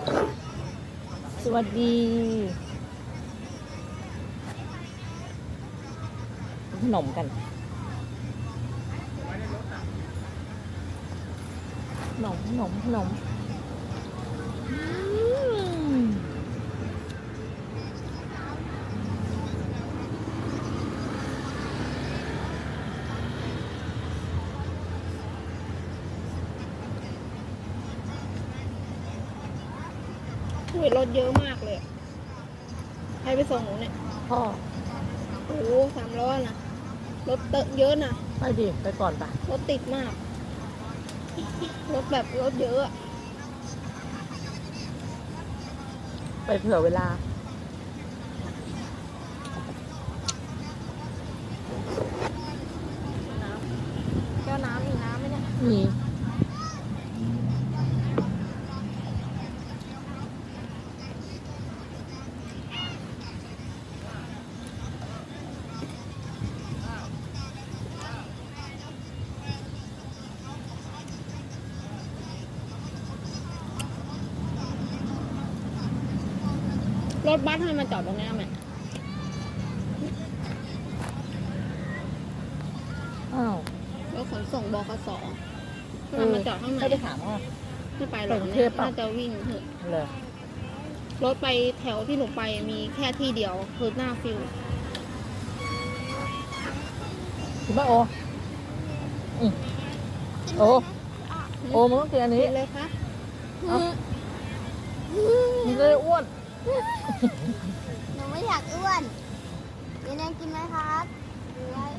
สวัสดีขนมกันขนมรถเยอะมากเลยใครไปส่งหนูเนี่ยพ่อโอ้โห300นะรถเยอะนะไปดิไปก่อนปะรถติดมากรถแบบรถเยอะไปเผื่อเวลาแก้วน้ำมีน้ำไหมเนี่ยมีรถบัสให้มาจอดตรงนี้ไหมอ้าวรถขนส่งบขสให้มาจอดข้างในไม่ได้ถามว่าไม่ไปหรอกเนี่ยน่าจะวิ่งเถอะเลยรถไปแถวที่หนูไปมีแค่ที่เดียวคือหน้าฟิวคุณป้าโอโอมันต้องกินอันนี้เลยคะมันเลยอ้วนหนูไม่อยากอ้วนเดี๋ยวแนนกินไหมครับหรือว่า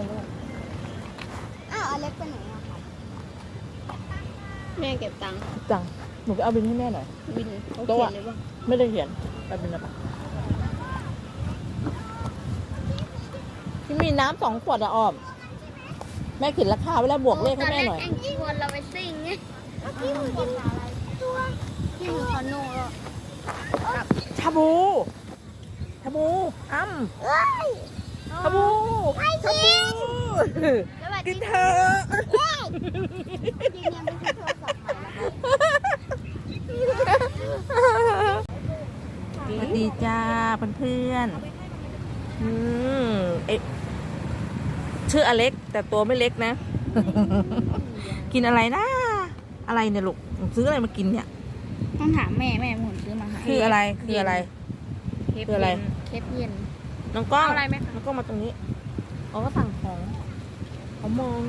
อ้าวอเล็กไปไหนอะครับแม่เก็บตังค์หนูไปเอาบินให้แม่หน่อยบินเขาเขียนเลยป่ะไม่ได้เขียนไปบินอะไรที่มีน้ำ2 ขวดอะอ้อมแม่เขียนราคาไว้แล้วบวกเลขให้แม่หน่อยที่วนเราไปซิ่งไงที่มันกินอะไรตัวที่มันคอนโน่แล้วชาบูอ้ำชาบูกินเถอะกินยังไม่ใช่โทรศัพท์ใหม่สวัสดีจ้าเพื่อนชื่ออเล็กแต่ตัวไม่เล็กนะ กินอะไรนะอะไรเนี่ยลูกซื้ออะไรมากินเนี่ยต้องถามแม่หมุนซื้อมาคืออะไรเคปเย็นน้องก้องอะไรไหมน้องก้องมาตรงนี้เขาก็สั่งของเขามอง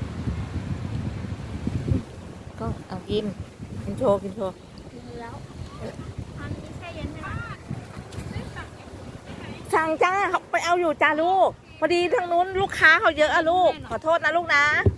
ก็เอากินโชว์แล้วอันนี้แช่เย็นใช่ไหมสั่งจ้าเขาไปเอาอยู่จ้าลูกพอดีทางนู้นลูกค้าเขาเยอะอะลูกขอโทษนะลูกนะ